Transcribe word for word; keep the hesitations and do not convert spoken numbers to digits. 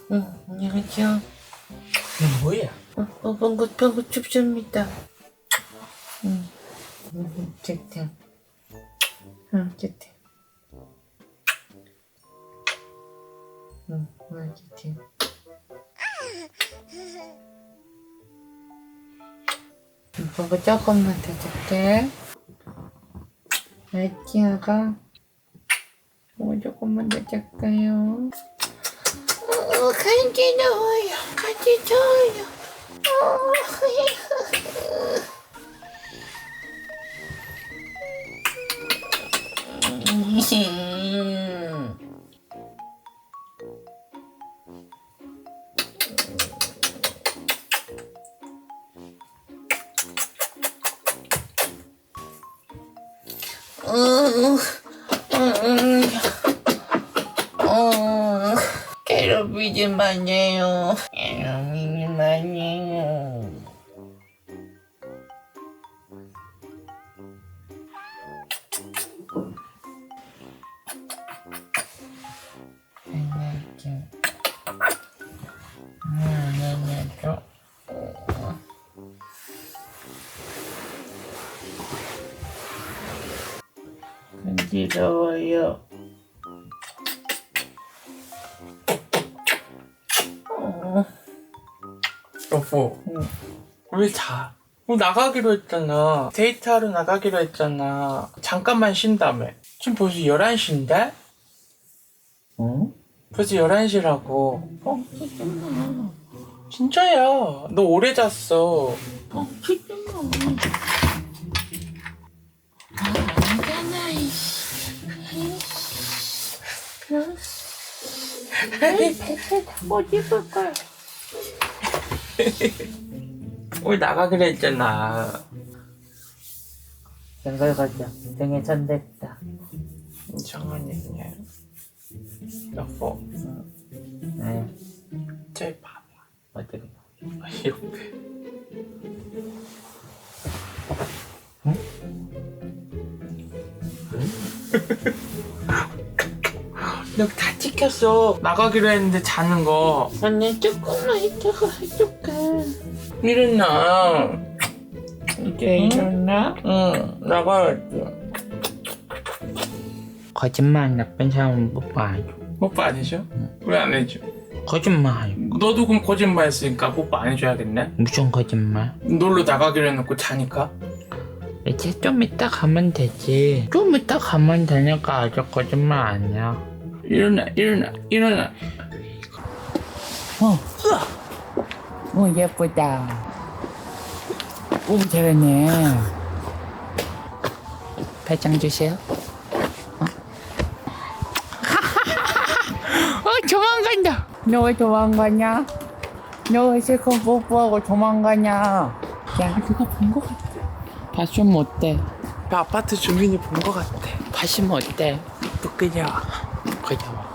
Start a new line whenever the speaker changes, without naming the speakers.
응, 안녕하세요.
이게 뭐야?
어, 어, 방구, 방구 춥습니다. 응, 응, 좋다. 응, 좋다. 응, 응, 좋다. 응, 방구 조금만 더 줄게. 알지, 아가? 뭐 조금만 더 줄까요? 어, 간지 넣어요. 간지 줘요. 어, 어, 괴롭히지 마세요. 괴롭히지 마세요. 안녕하세요. 간지러워요. 어,
여보,
응.
우리 자. 우리 나가기로 했잖아. 데이트하러 나가기로 했잖아. 잠깐만 쉰다며. 지금 벌써 열한 시인데?
어?
벌써 열한 시라고.
어, 진짜 마.
진짜야. 너 오래 잤어.
어, 진짜 마. 아, 아니잖아, 이씨. 에이, 배틀 타고 싶을 거야.
우리 나가기로 했잖아.
생각 가자. 등에 손댔다.
이상한 얘기냐. 여보,
네,
쟤 봐봐.
어떻게 봐?
옆에. 너 다 찍혔어. 나가기로 했는데 자는 거.
언니, 조금만 이따가 해줄게.
일어나.
이제 일어나?
응, 나가야지.
거짓말 나쁜 사람은 뽀뽀 안 해줘.
뽀뽀 안 해줘? 왜 안 해줘?
거짓말.
너도 그럼 거짓말 했으니까 뽀뽀 안 해줘야겠네?
무슨 거짓말?
놀러 나가기로 해놓고 자니까?
이제 좀 이따 가면 되지. 좀 이따 가면 되니까 아주 거짓말 아니야.
일어나, 일어나, 일어나.
어, 오 예쁘다. 오 잘하네. 팔짱 주세요. 어, 어 도망간다. 너 왜 도망가냐? 너 왜 실컷 뽀뽀하고 도망가냐? 야, 누가 본 거 같아. 봤으면 어때?
아파트 주민이 본 것 같아.
봤으면 어때?
부끄러워.
그죠?